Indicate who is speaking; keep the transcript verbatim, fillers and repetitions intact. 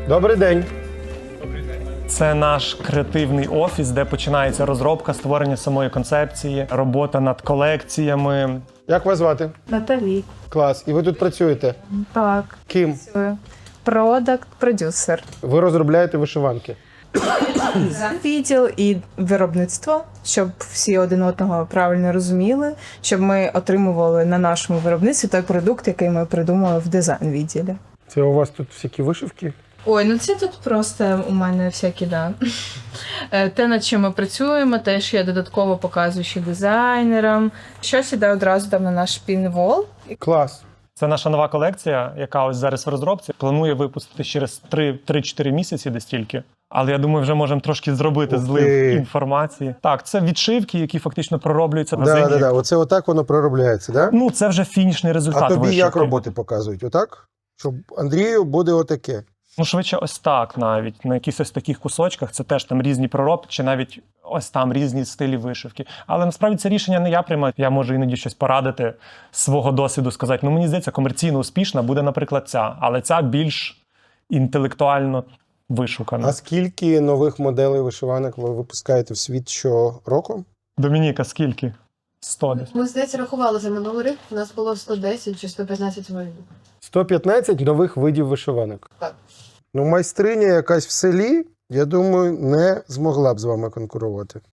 Speaker 1: Добрий день.
Speaker 2: Це наш креативний офіс, де починається розробка, створення самої концепції, робота над колекціями.
Speaker 1: Як вас звати?
Speaker 3: Наталі.
Speaker 1: Клас. І ви тут працюєте?
Speaker 3: Так.
Speaker 1: Ким?
Speaker 3: Продакт, продюсер.
Speaker 1: Ви розробляєте вишиванки?
Speaker 3: Відділ і виробництво, щоб всі один одного правильно розуміли, щоб ми отримували на нашому виробництві той продукт, який ми придумали в дизайн-відділі.
Speaker 1: Це у вас тут всякі вишивки?
Speaker 4: Ой, ну це тут просто у мене всякі, да. Е, Те, над чим ми працюємо, теж я додатково показую ще дизайнерам. Щось іде одразу там на наш пінвол.
Speaker 1: Клас.
Speaker 2: Це наша нова колекція, яка ось зараз в розробці. Планує випустити через три-чотири місяці десь тільки. Але я думаю, вже можемо трошки зробити
Speaker 1: Ух
Speaker 2: злив
Speaker 1: ти.
Speaker 2: інформації. Так, це відшивки, які фактично пророблюються на
Speaker 1: Так,
Speaker 2: зимі.
Speaker 1: так, так. Оце отак воно проробляється, так? Да?
Speaker 2: Ну, це вже фінішний результат
Speaker 1: А тобі
Speaker 2: вишивки.
Speaker 1: як роботи показують? Отак? Щоб Андрію буде отаке.
Speaker 2: Ну, швидше ось так навіть. На якихось ось таких кусочках це теж там різні проробки, чи навіть ось там різні стилі вишивки. Але насправді це рішення не я приймаю. Я можу іноді щось порадити з свого досвіду, сказати, ну мені здається, комерційно успішна буде, наприклад, ця. Але ця більш інтелектуально вишукана.
Speaker 1: А скільки нових моделей вишиванок ви випускаєте в світ щороку?
Speaker 2: Домініка, скільки? сто десь.
Speaker 5: Ми, здається, рахували за минулий рік, у нас було сто десять чи сто п'ятнадцять видів.
Speaker 1: сто п'ятнадцять нових видів вишиванок.
Speaker 5: Так.
Speaker 1: Ну, майстриня якась в селі, я думаю, не змогла б з вами конкурувати.